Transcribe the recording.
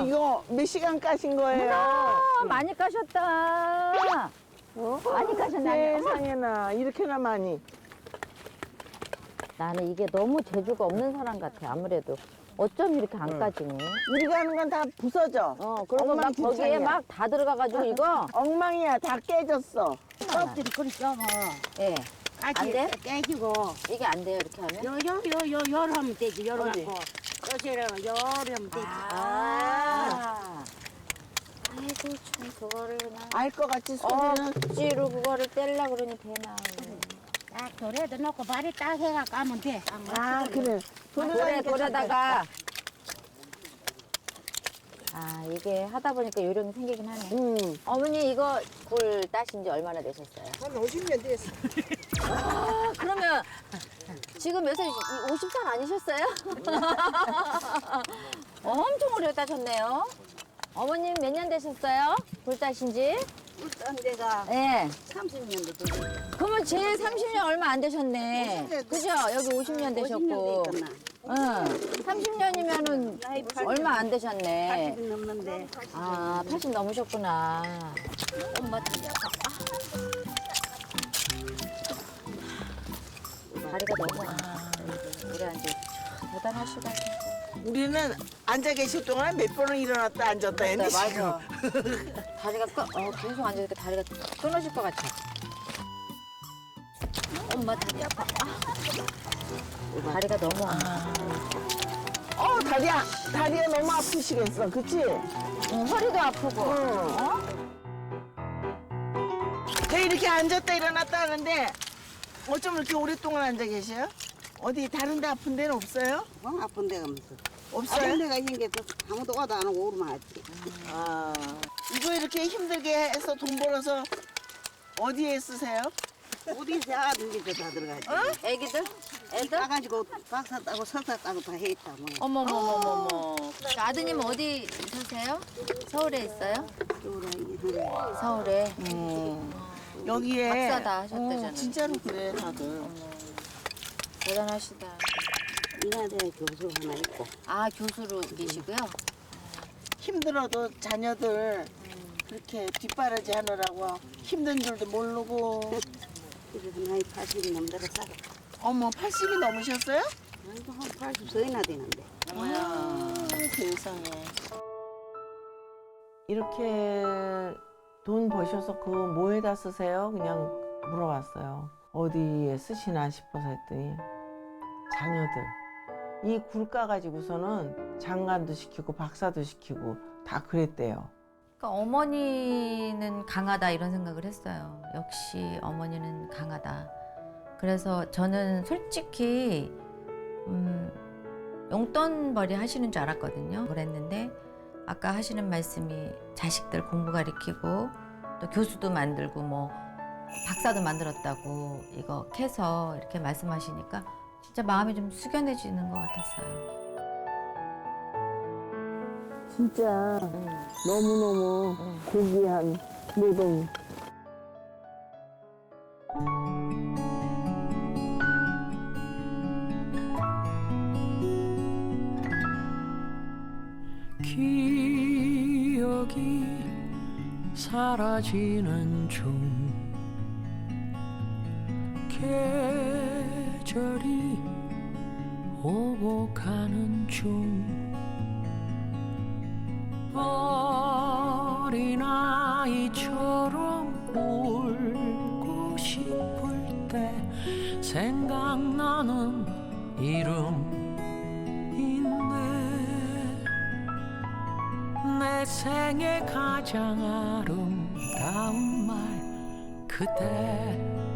이거 몇 시간 까신 거예요? 많이 까셨다. 많이 까셨네. 세상에나 이렇게나 많이. 나는 이게 너무 재주가 없는 사람 같아. 아무래도 어쩜 이렇게 안 까지니? 우리가 하는 건 다 부서져. 그리고 막 거기에 엉망진창이야. 막 다 들어가가지고 이거. 엉망이야. 다 깨졌어. 껍질이 그리 썩어. 예. 안 돼? 깨지고. 이게 안 돼요 이렇게 하면? 열 하면 되지. 열 어디? 갖고. 요새는 열 하면 되지. 아이고 참 그거를 그냥 알 것 같이 소리는. 억지로 그거를 떼려 그러니 되나. 딱 돌에도 넣고 발에 딱 해가 까면 돼. 아, 그래. 돌에다가. 아 이게 하다 보니까 요령이 생기긴 하네. 어머니 이거 굴 따신 지 얼마나 되셨어요? 한 50년 됐어. 아, 그러면 지금 몇 살, 50살 아니셨어요? 엄청 오래 따셨네요. 어머님 몇 년 되셨어요? 굴 따신 지? 울산 데가 네. 30년도 되지. 그러면 제 30년 얼마 안 되셨네. 50년 그죠? 여기 50년 되셨고. 50년 됐구나. 응. 30년이면은 나이 80, 얼마 안 되셨네. 80이 넘는데. 아, 80 넘으셨구나. 엄마 다리가 너무 오래 앉아. 대단하시다. 우리는 앉아 계실 동안 몇 번을 일어났다 앉았다 했는데 네, 지금. 맞아. 다리가 계속 앉으니까 다리가 끊어질 것 같아. 엄마 다리 아파. 다리가 너무 다리가 너무 아프시겠어. 그치? 허리도 아프고. 왜 이렇게 앉았다 일어났다 하는데 어쩜 이렇게 오랫동안 앉아 계셔요? 어디 다른 데 아픈 데는 없어요? 아픈 데가 무슨. 없어요? 아픈 데가 있는 게 아무도 와도 안 오고 오르면 하지. 아, 이거 이렇게 힘들게 해서 돈 벌어서 어디에 쓰세요? 어디서 아든지 다 들어가지. 애기들? 애들? 따가지고 박사 따고 석사 따고 다 했다. 뭐. 어머머머머머. 아드님 어디 사세요? 서울에 있어요? 서울에. 여기에 박사다 하셨대잖아요. 진짜로 그래 다들. 대단하시다. 인하대 교수 하나 있고. 아 교수로 계시고요? 힘들어도 자녀들 그렇게 뒷바라지 하느라고 힘든 줄도 모르고. 그래서 나이 80이 넘더라 살아. 어머 80이 넘으셨어요? 아이고 한 80서이나 되는데. 아, 세상에. 이렇게 돈 버셔서 그거 뭐에다 쓰세요? 그냥 물어봤어요. 어디에 쓰시나 싶어서 했더니 자녀들. 이 굴 까가지고서는 장관도 시키고 박사도 시키고 다 그랬대요. 그러니까 어머니는 강하다 이런 생각을 했어요. 역시 어머니는 강하다. 그래서 저는 솔직히 용돈벌이 하시는 줄 알았거든요. 그랬는데 아까 하시는 말씀이 자식들 공부 가르치고 또 교수도 만들고 뭐 박사도 만들었다고 이거 캐서 이렇게 말씀하시니까 진짜 마음이 좀 숙연해지는 것 같았어요. 진짜 너무너무 고귀한 노동. 기억이 사라지는 중 계절이 오고 가는 중 어린아이처럼 울고 싶을 때 생각나는 이름인데 내 생에 가장 아름다운 말 그대